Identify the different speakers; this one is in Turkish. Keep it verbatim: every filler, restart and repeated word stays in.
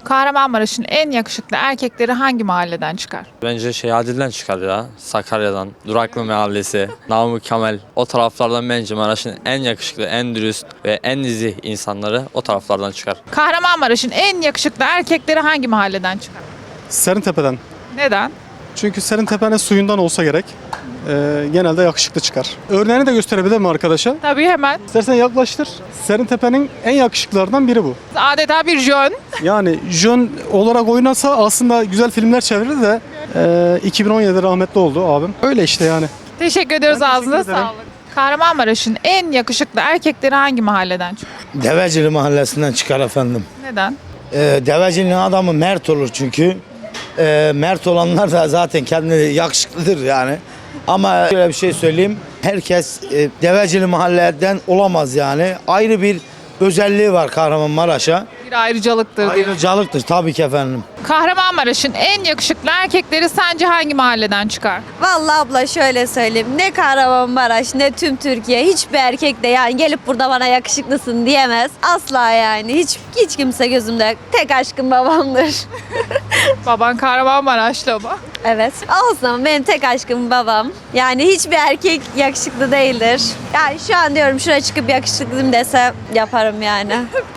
Speaker 1: Kahramanmaraş'ın en yakışıklı erkekleri hangi mahalleden çıkar?
Speaker 2: Bence şey Adil'den çıkar ya. Sakarya'dan, Duraklı Mahallesi, Namık Kemal. O taraflardan bence Maraş'ın en yakışıklı, en dürüst ve en nezih insanları o taraflardan çıkar.
Speaker 1: Kahramanmaraş'ın en yakışıklı erkekleri hangi mahalleden çıkar?
Speaker 3: Serintepe'den.
Speaker 1: Neden?
Speaker 3: Çünkü Serintepe'nin suyundan olsa gerek. Ee, genelde yakışıklı çıkar. Örneğini de gösterebilir mi arkadaşa?
Speaker 1: Tabii hemen.
Speaker 3: İstersen yaklaştır. Serintepe'nin en yakışıklılardan biri bu.
Speaker 1: Adeta bir jön.
Speaker 3: Yani jön olarak oynasa aslında güzel filmler çevirir de e, iki bin on yedide rahmetli oldu abim. Öyle işte yani.
Speaker 1: Teşekkür ediyoruz,
Speaker 3: Ben teşekkür
Speaker 1: ağzına
Speaker 3: ederim.
Speaker 1: sağlık. Kahramanmaraş'ın en yakışıklı erkekleri hangi mahalleden çıkar?
Speaker 4: Devecili mahallesinden çıkar efendim.
Speaker 1: Neden?
Speaker 4: Ee, Devecili'nin adamı mert olur çünkü. Ee, mert olanlar da zaten kendini yakışıklıdır yani. Ama şöyle bir şey söyleyeyim. Herkes e, Devecili mahalleden olamaz yani. Ayrı bir özelliği var Kahramanmaraş'a.
Speaker 1: Bir ayrıcalıktır diyor.
Speaker 4: Ayrıcalıktır tabii ki efendim.
Speaker 1: Kahramanmaraş'ın en yakışıklı erkekleri sence hangi mahalleden çıkar?
Speaker 5: Vallahi abla şöyle söyleyeyim. Ne Kahramanmaraş ne tüm Türkiye hiçbir erkek de yani gelip burada bana yakışıklısın diyemez. Asla yani. Hiç hiç kimse gözümde. Tek aşkım babamdır.
Speaker 1: Baban Kahramanmaraşlı ama.
Speaker 5: Evet. Olsun benim tek aşkım babam. Yani hiçbir erkek yakışıklı değildir. Yani şu an diyorum şuraya çıkıp yakışıklıyım dese yaparım yani.